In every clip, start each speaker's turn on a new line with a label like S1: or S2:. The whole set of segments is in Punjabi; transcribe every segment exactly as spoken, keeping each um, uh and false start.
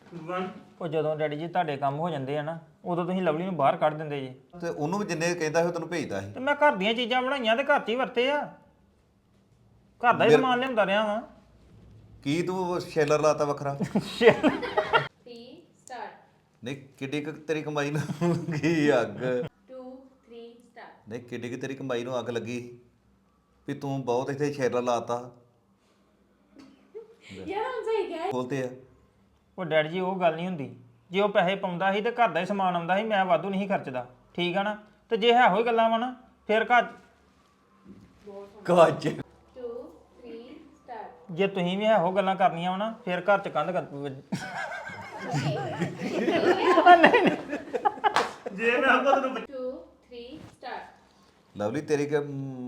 S1: वन
S2: ਉਹ ਜਦੋਂ ਡੈਡੀ ਜੀ ਤੁਹਾਡੇ ਕੰਮ ਹੋ ਜਾਂਦੇ ਆ ਨਾ ਉਦੋਂ ਤੁਸੀਂ ਲਵਲੀ ਨੂੰ ਬਾਹਰ ਕੱਢ ਦਿੰਦੇ ਜੀ
S3: ਤੇ ਉਹਨੂੰ ਵੀ ਜਿੰਨੇ ਕਹਿੰਦਾ ਸੀ ਉਹ ਤੈਨੂੰ ਭੇਜਦਾ ਸੀ
S2: ਤੇ ਮੈਂ ਘਰ ਦੀਆਂ ਚੀਜ਼ਾਂ ਬਣਾਈਆਂ ਤੇ ਘਰ 'ਚ ਹੀ ਵਰਤੇ ਆ ਘਰ ਦਾ ਹੀ ਸਮਾਨ ਲਿਆਉਂਦਾ ਰਿਹਾ ਵਾਂ
S3: ਕੀ ਤੂੰ ਸ਼ੈਲਰ ਲਾਤਾ ਵੱਖਰਾ
S4: ਟੀ ਸਟਾਰਟ
S3: ਨਹੀਂ ਕਿੱਡੀ ਕੁ ਤੇਰੀ ਕਮਾਈ ਨੂੰ ਕੀ ਅੱਗ
S4: ਟੂ ਥ੍ਰੀ ਸਟਾਰਟ
S3: ਨਹੀਂ ਕਿੱਡੀ ਕੁ ਤੇਰੀ ਕਮਾਈ ਨੂੰ ਅੱਗ ਲੱਗੀ ਵੀ ਤੂੰ ਬਹੁਤ ਇੱਥੇ ਸ਼ੈਲਰ ਲਾਤਾ
S4: ਯਾਰ ਹੁਣ ਸਹੀ ਗਿਆ
S3: ਬੋਲਤੇ ਆ
S2: ਉਹ ਡੈਡੀ ਜੀ ਉਹ ਗੱਲ ਨਹੀਂ ਹੁੰਦੀ ਜੇ ਉਹ ਪੈਸੇ ਪਾਉਂਦਾ ਸੀ ਤੇ ਘਰ ਦਾ ਹੀ ਸਮਾਨ ਆਉਂਦਾ ਸੀ ਮੈਂ ਵਾਧੂ ਨਹੀਂ ਖਰਚਦਾ ਠੀਕ ਆ ਨਾ ਤੇ ਜੇ ਹੈ ਹੋਈ ਗੱਲਾਂ ਵਾ ਨਾ ਫਿਰ ਘਰ
S3: ਕਾਜ
S4: ਟੂ ਥ੍ਰੀ ਸਟਾਰਟ
S2: ਜੇ ਤੁਸੀਂ ਵੀ ਇਹੋ ਗੱਲਾਂ ਕਰਨੀਆਂ ਵਾ ਨਾ ਫਿਰ ਘਰ 'ਚ ਕੰਧ ਕਰ
S1: जे मैं आपको तो
S4: ਟੂ ਥ੍ਰੀ ਸਟਾਰਟ
S3: ਲਵਲੀ ਤੇਰੀ ਕਿ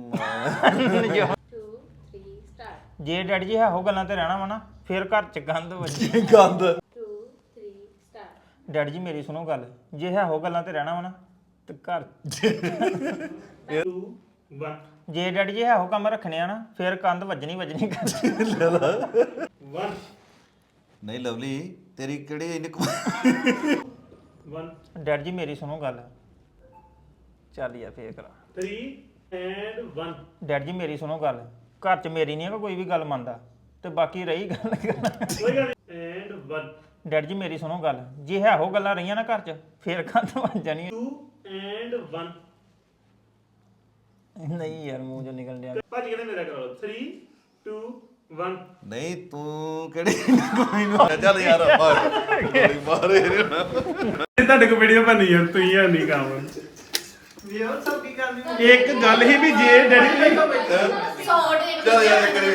S4: ਟੂ ਥ੍ਰੀ ਸਟਾਰਟ
S2: ਜੇ ਡੈਡੀ ਜੀ ਇਹੋ ਗੱਲਾਂ ਤੇ ਰਹਿਣਾ ਵਾ ਨਾ ਫਿਰ ਘਰ 'ਚ ਗੰਦ ਵੱਜੀ
S3: ਗੰਦ
S4: ਟੂ ਥ੍ਰੀ ਸਟਾਰਟ
S2: ਡੈਡੀ ਜੀ ਮੇਰੀ ਸੁਣੋ ਗੱਲ ਜੇ ਇਹੋ ਗੱਲਾਂ ਤੇ ਰਹਿਣਾ ਵਾ ਨਾ ਤੇ ਘਰ
S1: टू वन
S2: ਜੇ ਡੈਡੀ ਜੀ ਇਹੋ ਕੰਮ ਰੱਖਣੇ ਆ ਨਾ ਫਿਰ ਕੰਧ ਵੱਜਣੀ ਵੱਜਣੀ ਕਰਦੀ
S1: वन
S3: ਨਹੀਂ ਲਵਲੀ ਤੇਰੀ ਕਿਹੜੀ ਇੰਨੀ ਕਮਾਈ
S1: वन
S2: ਡੈਡੀ ਜੀ ਮੇਰੀ ਸੁਣੋ ਗੱਲ ਚੱਲ ਯਾਰ ਫੇਰ ਕਰਾ
S1: थ्री एंड वन
S2: ਡੈਡੀ ਜੀ ਮੇਰੀ ਸੁਣੋ ਗੱਲ ਘਰ 'ਚ ਮੇਰੀ ਨਹੀਂ ਹੈਗਾ ਕੋਈ ਵੀ ਗੱਲ ਮੰਨਦਾ ਤੇ ਬਾਕੀ ਰਹੀ ਗੱਲ
S1: कोई गल एंड वन
S2: ਡੈਡੀ ਜੀ ਮੇਰੀ ਸੁਣੋ ਗੱਲ ਜੇ ਇਹੋ ਗੱਲਾਂ ਰਹੀਆਂ ਨਾ ਘਰ 'ਚ ਫਿਰ ਕੰਧ ਵੱਜ ਜਾਣੀ
S1: टू एंड वन
S2: ਨਹੀਂ ਯਾਰ ਮੂੰਹ ਚੋਂ ਨਿਕਲ ਡਿਆ
S1: भाजी कहते मेरा करो थ्री टू वन
S3: ਨਹੀਂ ਤੂੰ ਕਿਹੜੀ ਇੰਨੀ ਕਮਾਈ ਨੂੰ ਚੱਲ ਯਾਰ ਮਾਰ ਗੋਲੀ ਮਾਰੇ
S1: ਤੁਹਾਡੇ ਕੋ ਵੀਡੀਓ ਬਣੀ ਹੈ ਤੁਸੀਂ ਆ ਨਹੀਂ ਕੰਮ ਇੱਕ ਗੱਲ ਹੀ ਵੀ ਜੇ ਡੈਡੀ
S3: ਚੱਲ ਯਾਰ ਕਰੇ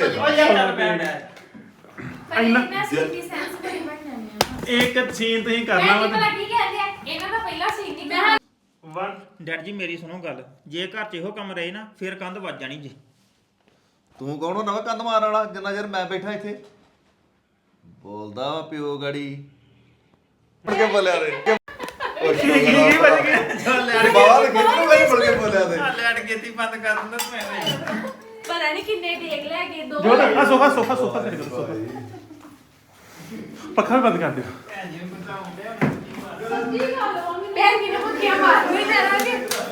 S4: ਇੰਨਾ ਸਿੱਧੀ ਸੈਂਸ ਕਰੀ ਬਣਨੀ
S1: ਇੱਕ ਸੀਨ ਤੁਸੀਂ ਕਰਨਾ ਵਾ
S4: ਪਤਾ ਕੀ ਕਹਿੰਦੇ ਆ ਇਹਨਾਂ ਦਾ ਪਹਿਲਾ ਸੀਨ ਨਹੀਂ ਮੈਂ
S1: वन
S2: ਡੈਡੀ ਜੀ ਮੇਰੀ ਸੁਣੋ ਗੱਲ ਜੇ ਘਰ 'ਚ ਇਹੋ ਕੰਮ ਰਹੇ ਨਾ ਫਿਰ ਕੰਧ ਵੱਜ ਜਾਣੀ ਜੀ
S3: ਤੂੰ ਕੌਣ ਹੁੰਦਾ ਵਾ ਕੰਧ ਮਾਰਨ ਵਾਲਾ ਜਿੰਨਾ ਚਿਰ ਮੈਂ ਬੈਠਾ ਇੱਥੇ ਬੋਲਦਾ ਵਾ ਪਿਓ ਗੜੀ ਮੁੜ ਕੇ ਬੋਲਿਆ ਰੇ
S1: ਕੀ ਬਣ ਗਿਆ
S3: ਬਾਹਰ ਕਿੱਥੇ ਮੈਂ ਮੁੜ ਕੇ ਬੋਲਿਆ ਤੇ
S2: ਲੈਟ ਗੇਤੀ ਬੰਦ ਕਰ ਦਿੰਦਾ ਮੈਂ
S4: ਪਤਾ ਨਹੀਂ ਕਿੰਨੇ ਟੇਕ ਲੈ ਗਏ ਦੋ
S1: ਜੋ ਆ ਸੋਫਾ ਸੋਫਾ ਸੋਫਾ ਤੇ ਕਰੋ ਸੋਫਾ ਪੱਖਾ ਵੀ ਬੰਦ ਕਰ ਦਿਓ
S4: ਪੈਰ ਕਿਨੇ ਮੁੱਕੀਆਂ ਮਾਰ ਕੋਈ ਕਰਾਂਗੇ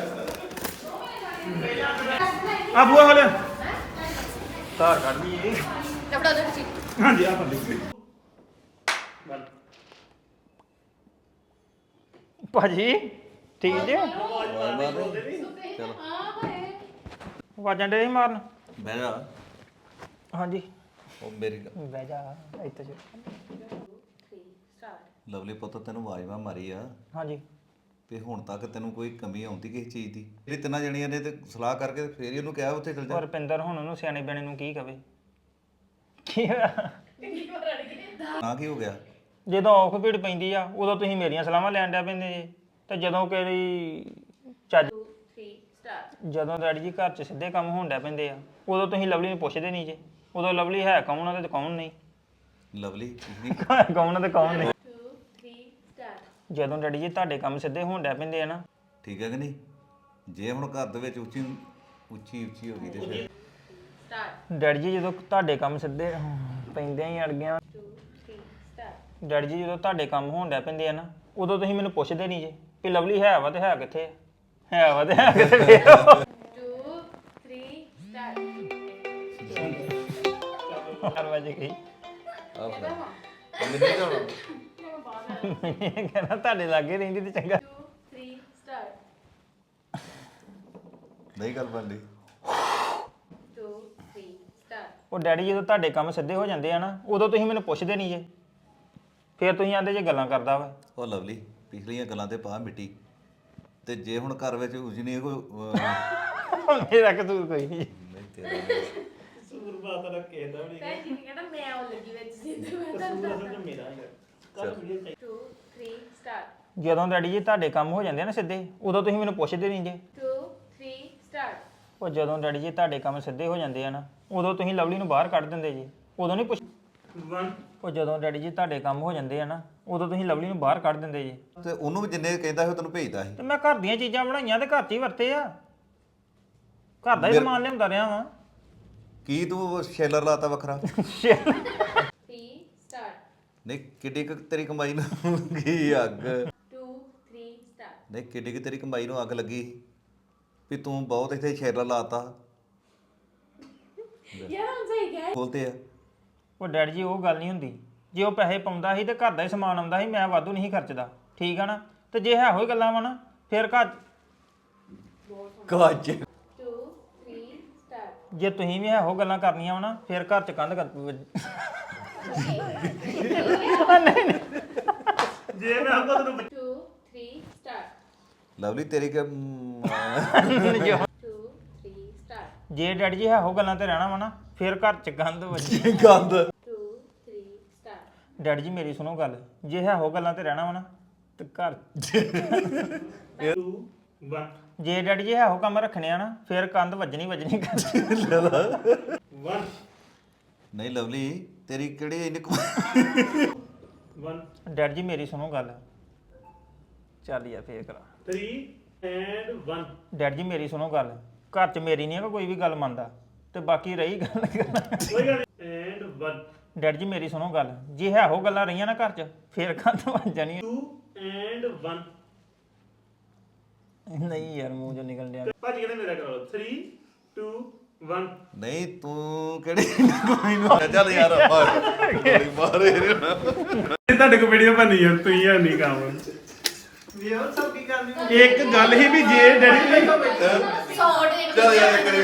S1: ਆ ਬੂਆ ਵਾਲੇ
S2: ਧਾਰ ਕੱਢ ਲਈ
S4: ਕਪੜਾ ਦੇ ਵਿੱਚ
S1: ਹਾਂਜੀ ਆ ਫੜ ਲਈ वन
S2: ਭਾਜੀ ਠੀਕ ਜੇ
S3: ਚਲੋ
S2: ਵਾਜਾਂ ਡੇ ਮਾਰਨ
S3: ਬਹਿ ਜਾ
S2: ਹਾਂਜੀ
S3: ਉਹ ਮੇਰੀ ਗੱਲ-
S2: ਬਹਿ ਜਾ ਇੱਥੇ ਜੋ
S4: ਥ੍ਰੀ ਸਟਾਰਟ
S3: ਲਵਲੀ ਪੁੱਤ ਤੈਨੂੰ ਆਵਾਜ਼ ਮਾਰੀ ਆ
S2: ਹਾਂਜੀ
S3: ਤੇ ਹੁਣ ਤੱਕ ਤੈਨੂੰ ਕੋਈ ਕਮੀ ਆਉਂਦੀ ਕਿਸੇ ਚੀਜ਼ ਦੀ ਜਿਹੜੀ ਤਿੰਨਾਂ ਜਣੀਆਂ ਨੇ ਤੇ ਸਲਾਹ ਕਰਕੇ ਤੇ ਫੇਰ ਹੀ ਉਹਨੂੰ ਕਿਹਾ ਉੱਥੇ ਚਲ ਜਾ
S2: ਔਰ ਰੁਪਿੰਦਰ ਹੁਣ ਉਹਨੂੰ ਸਿਆਣੇ ਬਿਆਣੇ ਨੂੰ ਕੀ ਕਵੇ ਕੀ ਹੋਇਆ?
S3: ਨਾ ਕੀ ਹੋ ਗਿਆ
S2: ਜਦੋਂ ਔਖ ਭੀੜ ਪੈਂਦੀ ਆ ਉਦੋਂ ਤੁਸੀਂ ਮੇਰੀਆਂ ਸਲਾਹਾਂ ਲੈਣ ਡਿਆ ਪੈਂਦੇ ਜੇ ਤੇ ਜਦੋਂ ਕਿਹੜੀ ਚੱਜ
S4: ਟੂ ਥ੍ਰੀ ਸਟਾਰਟ
S2: ਜਦੋਂ ਡੈਡੀ ਜੀ ਘਰ 'ਚ ਸਿੱਧੇ ਕੰਮ ਹੋਣ ਡਿਆ ਪੈਂਦੇ ਆ ਉਦੋਂ ਤੁਸੀਂ ਲਵਲੀ ਨੂੰ ਪੁੱਛਦੇ ਨਹੀਂ ਜੇ ਉਦੋਂ ਲਵਲੀ ਹੈ ਕੌਣ ਆ ਤੇ ਕੌਣ ਨਹੀਂ
S3: ਲਵਲੀ ਤੁਸੀਂ
S2: ਕੌਣ ਆ ਤੇ ਕੌਣ ਨਹੀਂ
S4: ਟੂ ਥ੍ਰੀ ਸਟਾਰਟ
S2: ਜਦੋਂ ਡੈਡੀ ਜੀ ਤੁਹਾਡੇ ਕੰਮ ਸਿੱਧੇ ਹੋਣ ਡਿਆ ਪੈਂਦੇ ਆ ਨਾ
S3: ਠੀਕ ਹੈ ਕਿ ਨਹੀਂ ਜੇ ਹੁਣ ਘਰ ਦੇ ਵਿੱਚ ਉੱਚੀ ਉੱਚੀ ਉੱਚੀ ਹੋ ਗਈ ਤੇ ਫਿਰ
S4: ਸਟਾਰਟ
S2: ਡੈਡੀ ਜੀ ਜਦੋਂ ਤੁਹਾਡੇ ਕੰਮ ਸਿੱਧੇ ਪੈਂਦੇ ਹੀ ਅੜ ਗਿਆ
S4: ਟੂ ਥ੍ਰੀ ਸਟਾਰਟ
S2: ਡੈਡੀ ਜੀ ਜਦੋਂ ਤੁਹਾਡੇ ਕੰਮ ਹੋਣ ਡਿਆ ਪੈਂਦੇ ਆ ਨਾ ਉਦੋਂ ਤੁਸੀਂ ਮੈਨੂੰ ਪੁੱਛਦੇ ਨਹੀਂ ਜੇ ਕਿ ਲਵਲੀ ਹੈ ਵਾ ਤੇ ਹੈ ਕਿੱਥੇ ਆ? ਹੈ ਵਾ ਤੇ ਹੈ ਕਿੱਥੇ
S4: ਟੂ ਥ੍ਰੀ ਸਟਾਰਟ
S2: ਹਰ ਵਜੇ ਗਈ
S3: ਆਹ ਮੈਨੂੰ ਨਹੀਂ ਜਾਣਾ
S2: ਮੈਂ ਕਹਿੰਦਾ ਤੁਹਾਡੇ ਲਾਗੇ ਰਹਿੰਦੀ ਤੇ ਚੰਗਾ
S4: ਟੂ ਥ੍ਰੀ ਸਟਾਰਟ
S3: ਨਹੀਂ ਗੱਲ ਬਣਦੀ
S4: ਟੂ ਥ੍ਰੀ ਸਟਾਰਟ
S2: ਉਹ ਡੈਡੀ ਜਦੋਂ ਤੁਹਾਡੇ ਕੰਮ ਸਿੱਧੇ ਹੋ ਜਾਂਦੇ ਆ ਨਾ ਉਦੋਂ ਤੁਸੀਂ ਮੈਨੂੰ ਪੁੱਛਦੇ ਨਹੀਂ ਜੇ ਫਿਰ ਤੁਸੀਂ ਆਂਦੇ ਜੇ ਗੱਲਾਂ ਕਰਦਾ ਵਾ
S3: ਉਹ ਲਵਲੀ ਪਿਛਲੀਆਂ ਗੱਲਾਂ ਤੇ ਪਾ ਮਿੱਟੀ ਤੇ ਜੇ ਹੁਣ ਘਰ ਵਿੱਚ ਉਜਨੀ ਕੋਈ ਅਹ,
S2: ਮੇਰਾ ਕਸੂਰ ਕੋਈ ਨਹੀਂ
S3: ਨਹੀਂ ਤੇਰਾ
S1: ਸੂਰ ਬਾਤ ਰੱਖੇ ਦਾ ਵੀ
S4: ਮੈਂ ਜੀ ਕਹਿੰਦਾ ਮੈਂ ਉਹ ਲੱਗੀ ਵਿੱਚ ਸਿੱਧੇ ਮੈਂ ਤਾਂ
S1: ਮੇਰਾ ਕੱਲ ਵੀਡੀਓ
S4: ਟੂ ਥ੍ਰੀ ਸਟਾਰਟ
S2: ਜਦੋਂ ਡੈਡੀ ਜੀ ਤੁਹਾਡੇ ਕੰਮ ਹੋ ਜਾਂਦੇ ਆ ਨਾ ਸਿੱਧੇ ਉਦੋਂ ਤੁਸੀਂ ਮੈਨੂੰ ਪੁੱਛਦੇ ਨਹੀਂ ਜੇ
S4: ਟੂ ਥ੍ਰੀ ਸਟਾਰਟ
S2: ਉਹ ਜਦੋਂ ਡੈਡੀ ਜੀ ਤੁਹਾਡੇ ਕੰਮ ਸਿੱਧੇ ਹੋ ਜਾਂਦੇ ਆ ਨਾ ਉਦੋਂ ਤੁਸੀਂ ਲਵਲੀ ਨੂੰ ਬਾਹਰ ਕੱਢ ਦਿੰਦੇ ਜੀ ਉਦੋਂ ਨਹੀਂ ਪੁੱਛ
S1: वन
S2: ਉਹ ਜਦੋਂ ਡੈਡੀ ਜੀ ਤੁਹਾਡੇ ਕੰਮ ਹੋ ਜਾਂਦੇ ਆ ਨਾ ਉਦੋਂ ਤੁਸੀਂ ਲਵਲੀ ਨੂੰ ਬਾਹਰ ਕੱਢ ਦਿੰਦੇ ਜੀ
S3: ਤੇ ਉਹਨੂੰ ਵੀ ਜਿੰਨੇ ਕਹਿੰਦਾ ਸੀ ਉਹ ਤੈਨੂੰ ਭੇਜਦਾ ਸੀ
S2: ਤੇ ਮੈਂ ਘਰ ਦੀਆਂ ਚੀਜ਼ਾਂ ਬਣਾਈਆਂ ਤੇ ਘਰ 'ਚ ਹੀ ਵਰਤੇ ਆ ਘਰ ਦਾ ਹੀ ਸਮਾਨ ਲਿਆਉਂਦਾ ਰਿਹਾ ਵਾਂ
S3: ਕੀ ਤੂੰ ਸ਼ੈਲਰ ਲਾਤਾ ਵੱਖਰਾ
S4: ਥ੍ਰੀ ਸਟਾਰਟ
S3: ਨਹੀਂ ਕਿੱਡੀ ਕੁ ਤੇਰੀ ਕਮਾਈ ਨੂੰ ਕੀ ਅੱਗ
S4: two three start
S3: ਨਹੀਂ ਕਿੱਡੀ ਕੁ ਤੇਰੀ ਕਮਾਈ ਨੂੰ ਅੱਗ ਲੱਗੀ ਵੀ ਤੂੰ ਬਹੁਤ ਇੱਥੇ ਸ਼ੇਰਾ ਲਾਤਾ
S4: ਯਾਰ ਹੁਣ ਸਹੀ ਗਿਆ
S3: ਬੋਲਦੇ ਆ
S2: ਉਹ ਡੈਡੀ ਜੀ ਉਹ ਗੱਲ ਨਹੀਂ ਹੁੰਦੀ ਜੇ ਉਹ ਪੈਸੇ ਪਾਉਂਦਾ ਸੀ ਤੇ ਘਰ ਦਾ ਹੀ ਸਮਾਨ ਆਉਂਦਾ ਸੀ ਮੈਂ ਵਾਧੂ ਨਹੀਂ ਖਰਚਦਾ ਠੀਕ ਆ ਨਾ ਤੇ ਜੇ ਹੈ ਹੋਈ ਗੱਲਾਂ ਵਾ ਨਾ ਫਿਰ ਘਰ
S3: ਕਾਜ
S4: two three start
S2: ਜੇ ਤੁਸੀਂ ਵੀ ਇਹੋ ਗੱਲਾਂ ਕਰਨੀਆਂ ਵਾ ਨਾ ਫਿਰ ਘਰ ਚ ਕੰਧ ਕਰ
S1: ਜੇ ਮੈਂ ਆਪਾਂ ਤੈਨੂੰ
S4: two three start
S3: ਲਵਲੀ ਤੇਰੀ ਕਿ
S4: two three start
S2: ਜੇ ਡੈਡੀ ਜੀ ਇਹੋ ਗੱਲਾਂ ਤੇ ਰਹਿਣਾ ਵਾ ਨਾ ਫਿਰ ਘਰ ਚ ਕੰਧ ਵੱਜੀ
S3: ਗੰਦ
S4: two three start
S2: ਡੈਡੀ ਜੀ ਮੇਰੀ ਸੁਣੋ ਗੱਲ ਜੇ ਇਹੋ ਗੱਲਾਂ ਤੇ ਰਹਿਣਾ ਵਾ ਨਾ ਤੇ ਘਰ
S1: two one
S2: ਜੇ ਡੈਡੀ ਜੀ ਇਹੋ ਕੰਮ ਰੱਖਣੇ ਆ ਨਾ ਫਿਰ ਕੰਧ ਵੱਜਣੀ ਵੱਜਣੀ ਘਰ
S1: one
S3: ਨਹੀਂ ਲਵਲੀ ਤੇਰੀ ਕਿਹੜੀ ਇੰਨੀ ਕਮਾਈ
S1: one
S2: ਡੈਡੀ ਜੀ ਮੇਰੀ ਸੁਣੋ ਗੱਲ ਚੱਲ ਯਾਰ ਫੇਰ ਕਰਾ
S1: three and one
S2: ਡੈਡੀ ਜੀ ਮੇਰੀ ਸੁਣੋ ਗੱਲ ਘਰ ਚ ਮੇਰੀ ਨਹੀਂ ਹੈ ਕੋਈ ਵੀ ਗੱਲ ਮੰਨਦਾ ਤੇ ਬਾਕੀ ਰਹੀ ਗੱਲ
S1: ਕੋਈ ਗੱਲ ਨੀ। and one
S2: ਡੈਡੀ ਜੀ ਮੇਰੀ ਸੁਣੋ ਗੱਲ ਜੇ ਇਹੋ ਗੱਲਾਂ ਰਹੀਆਂ ਨਾ ਘਰ ਚ ਫਿਰ ਕੰਧ ਵੱਜ ਜਾਣੀ
S1: two and one
S2: ਨਹੀਂ ਯਾਰ ਮੂੰਹ ਚੋਂ ਨਿਕਲ ਡਿਆ
S1: ਭਾਜੀ ਕਹਿੰਦੇ ਮੇਰਾ ਕਰਾ ਲਓ three two one
S3: ਨਹੀਂ ਤੂੰ ਕਿਹੜੀ ਇੰਨੀ ਕਮਾਈ ਨੂੰ ਚੱਲ ਯਾਰ ਮਾਰ ਗੋਲੀ ਮਾਰੇ
S1: ਇਹ ਤੁਹਾਡੇ ਕੋ ਵੀਡੀਓ ਬਣੀ ਯਾਰ ਤੁਸੀਂ ਹੈ ਨਹੀਂ ਕੰਮ ਇੱਕ ਗੱਲ ਹੀ ਵੀ ਜੇ ਡੈਡੀ
S3: ਚੱਲ ਯਾਰ ਕਰੇ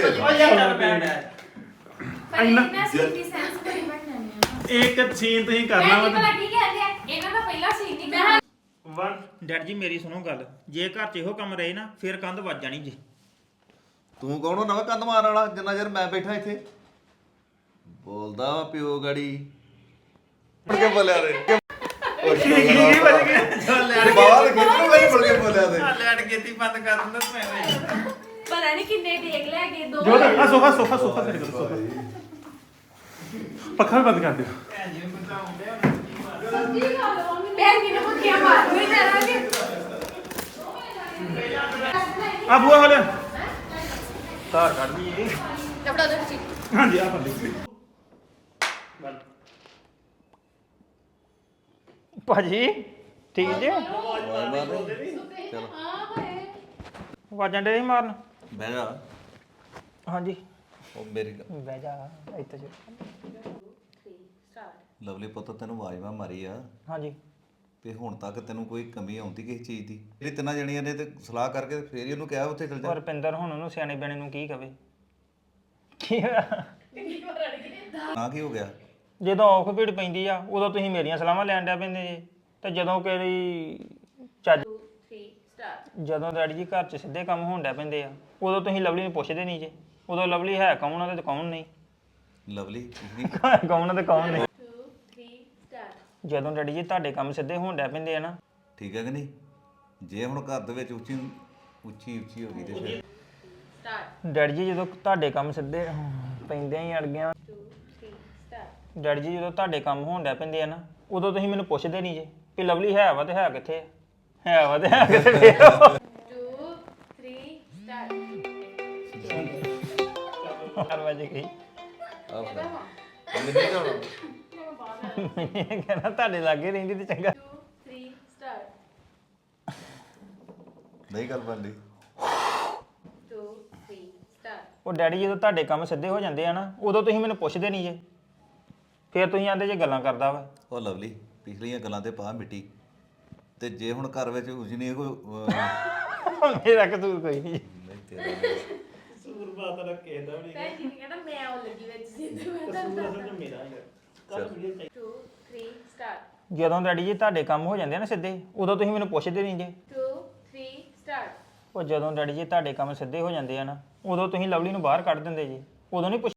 S1: ਇੰਨਾ
S4: ਮੈਂ ਸਿੱਧੀ ਸੈਂਸ ਕਰੀ ਬਣਾਣੀ
S1: ਇੱਕ ਸੀਨ ਤੁਸੀਂ ਕਰਨਾ ਵਾ
S4: ਭਲਾ ਕੀ ਕਹਿੰਦੇ ਆ ਇਹਨਾਂ ਦਾ ਪਹਿਲਾ ਸੀਨ ਨਹੀਂ ਕਰਨਾ
S1: one
S2: ਡੈਡੀ ਜੀ ਮੇਰੀ ਸੁਣੋ ਗੱਲ ਜੇ ਘਰ ਚ ਇਹੋ ਕੰਮ ਰਹੇ ਨਾ ਫਿਰ ਕੰਧ ਵੱਜ ਜਾਣੀ ਜੀ
S3: ਤੂੰ ਕੌਣ ਨਵਾਂ ਕੰਧ ਮਾਰਨ ਵਾਲਾ ਜਿੰਨਾ ਚਿਰ ਮੈਂ ਬੈਠਾ ਇੱਥੇ ਬੋਲਦਾ ਵਾ ਪਿਓ ਗਾੜੀ ਮੁੜ ਕੇ ਬੋਲਿਆ ਰੇ ਉਹ ਕੀ ਕੀ ਬਚ ਗਿਆ ਬਾਹਰ ਕਿੱਥੋਂ ਗਈ ਮੁੜ ਕੇ ਬੋਲਿਆ ਤੇ
S2: ਲੈਟ ਗੇਤੀ ਬੰਦ ਕਰ ਦਿੰਦਾ ਮੈਂ
S4: ਪਤਾ ਨਹੀਂ ਕਿੰਨੇ ਟੇਕ ਲੈ ਕੇ ਦੋ
S1: ਜੋ ਆ ਸੋਫਾ ਸੋਫਾ ਸੋਫਾ ਤੇ ਕਰੋ ਸੋਫਾ ਪੱਖਾ ਵੀ ਬੰਦ ਕਰ ਦਿਓ
S4: ਭੈਣ ਜੀ ਨੇ ਮੁੱਠੀਆਂ ਮਾਰ ਨਹੀਂ ਕਰਾਂਗੇ
S1: ਆ ਬੂਆ ਹੋ ਲਿਆ
S2: ਧਾਰ ਕੱਢ ਦੀ ਜੀ
S4: ਕਪੜਾ ਦੇ ਵਿੱਚ
S1: ਹਾਂਜੀ ਆ ਫੜ one
S2: ਭਾਜੀ ਠੀਕ ਜੇ
S3: ਚਲ
S2: ਵਾਜਾਂ ਡੇ ਮਾਰਨ
S3: ਬਹਿ ਜਾ
S2: ਹਾਂਜੀ
S3: ਉਹ ਮੇਰੀ ਗੱਲ-
S2: ਬਹਿ ਜਾ ਇੱਥੇ ਜੋ
S3: ਲਵਲੀ ਪੁੱਤ ਤੈਨੂੰ ਆਵਾਜ਼ ਮੈਂ ਮਾਰੀ ਆ
S2: ਹਾਂਜੀ
S3: ਤੇ ਹੁਣ ਤੱਕ ਤੈਨੂੰ ਕੋਈ ਕਮੀ ਆਉਂਦੀ ਕਿਸੇ ਚੀਜ਼ ਦੀ ਜਿਹੜੀ ਤਿੰਨਾਂ ਜਣੀਆਂ ਨੇ ਤੇ ਸਲਾਹ ਕਰਕੇ ਫੇਰ ਹੀ ਉਹਨੂੰ ਕਿਹਾ ਉੱਥੇ ਚਲ ਜਾ
S2: ਪਰ ਰੁਪਿੰਦਰ ਹੁਣ ਉਹਨੂੰ ਸਿਆਣੇ ਬਿਆਣੇ ਨੂੰ ਕੀ ਕਵੇ ਕੀ ਹੋਇਆ?
S3: ਨਾ ਕੀ ਹੋ ਗਿਆ
S2: ਜਦੋਂ ਔਖ ਭੀੜ ਪੈਂਦੀ ਆ ਉਦੋਂ ਤੁਸੀਂ ਮੇਰੀਆਂ ਸਲਾਹਾਂ ਲੈਣ ਡਿਆ ਪੈਂਦੇ ਜੇ ਤੇ ਜਦੋਂ ਕਿਹੜੀ ਚੱਜ
S4: two three start
S2: ਜਦੋਂ ਡੈਡੀ ਜੀ ਘਰ 'ਚ ਸਿੱਧੇ ਕੰਮ ਹੋਣ ਡਿਆ ਪੈਂਦੇ ਆ ਉਦੋਂ ਤੁਸੀਂ ਲਵਲੀ ਨੂੰ ਪੁੱਛਦੇ ਨਹੀਂ ਜੇ ਉਦੋਂ ਲਵਲੀ ਹੈ ਕੌਣ ਆ ਤੇ ਕੌਣ ਨਹੀਂ
S3: ਲਵਲੀ ਪਿਛਲੀ
S2: ਕੌਣ ਆ ਤੇ ਕੌਣ ਨਹੀਂ
S4: two three start
S2: ਜਦੋਂ ਡੈਡੀ ਜੀ ਤੁਹਾਡੇ ਕੰਮ ਸਿੱਧੇ ਹੋਣ ਡਿਆ ਪੈਂਦੇ ਆ ਨਾ
S3: ਠੀਕ ਹੈ ਕਿ ਨਹੀਂ ਜੇ ਹੁਣ ਘਰ ਦੇ ਵਿੱਚ ਉੱਚੀ ਉੱਚੀ ਉੱਚੀ ਹੋ ਗਈ ਤੇ ਫਿਰ
S4: start
S2: ਡੈਡੀ ਜੀ ਜਦੋਂ ਤੁਹਾਡੇ ਕੰਮ ਸਿੱਧੇ ਪੈਂਦੇ ਹੀ ਅੜ ਗਿਆ
S4: two three start
S2: ਡੈਡੀ ਜੀ ਜਦੋਂ ਤੁਹਾਡੇ ਕੰਮ ਹੋਣ ਡਿਆ ਪੈਂਦੇ ਆ ਨਾ ਉਦੋਂ ਤੁਸੀਂ ਮੈਨੂੰ ਪੁੱਛਦੇ ਨਹੀਂ ਜੇ ਕਿ ਲਵਲੀ ਹੈ ਵਾ ਤੇ ਹੈ ਕਿੱਥੇ ਆ ਹੈ ਵਾ ਤੇ ਹੈ ਕਿੱਥੇ ਫੇਰ
S4: two three start
S2: ਚਾਰ ਵਜੇ ਗਈ
S3: ਆਹ ਫੜ। ਮੈਨੂੰ ਨਹੀਂ ਜਾਣਾ
S2: ਮੈਂ ਕਹਿੰਦਾ ਤੁਹਾਡੇ ਲਾਗੇ ਰਹਿੰਦੀ ਤੇ ਚੰਗਾ
S4: two three start
S3: ਨਹੀਂ ਗੱਲ ਬਣਦੀ
S4: two three start
S2: ਉਹ ਡੈਡੀ ਜਦੋਂ ਤੁਹਾਡੇ ਕੰਮ ਸਿੱਧੇ ਹੋ ਜਾਂਦੇ ਆ ਨਾ ਉਦੋਂ ਤੁਸੀਂ ਮੈਨੂੰ ਪੁੱਛਦੇ ਨਹੀਂ ਜੇ ਫਿਰ ਤੁਸੀਂ ਆਂਦੇ ਜੇ ਗੱਲਾਂ ਕਰਦਾ ਵਾ
S3: ਉਹ ਲਵਲੀ ਪਿਛਲੀਆਂ ਗੱਲਾਂ ਤੇ ਪਾ ਮਿੱਟੀ ਤੇ ਜੇ ਹੁਣ ਘਰ ਵਿੱਚ ਉਜਨੀ ਕੋਈ ਅਹ,
S2: ਮੇਰਾ ਕਸੂਰ ਕੋਈ ਨਹੀਂ
S3: ਨਹੀਂ ਤੇਰਾ
S4: ਭੈਣ ਜੀ ਨੇ ਕਹਿੰਦਾ ਮੈਂ ਉਹ ਲੱਗੀ ਵਿੱਚ ਸਿੱਧੇ ਮੈਂ ਤਾਂ
S3: ਚੱਲ
S4: two three start
S2: ਜਦੋਂ ਡੈਡੀ ਜੀ ਤੁਹਾਡੇ ਕੰਮ ਹੋ ਜਾਂਦੇ ਆ ਨਾ ਸਿੱਧੇ ਉਦੋਂ ਤੁਸੀਂ ਮੈਨੂੰ ਪੁੱਛਦੇ ਨਹੀਂ ਜੇ
S4: two three start
S2: ਉਹ ਜਦੋਂ ਡੈਡੀ ਜੀ ਤੁਹਾਡੇ ਕੰਮ ਸਿੱਧੇ ਹੋ ਜਾਂਦੇ ਆ ਨਾ ਉਦੋਂ ਤੁਸੀਂ ਲਵਲੀ ਨੂੰ ਬਾਹਰ ਕੱਢ ਦਿੰਦੇ ਜੀ ਉਦੋਂ ਨਹੀਂ ਪੁੱਛ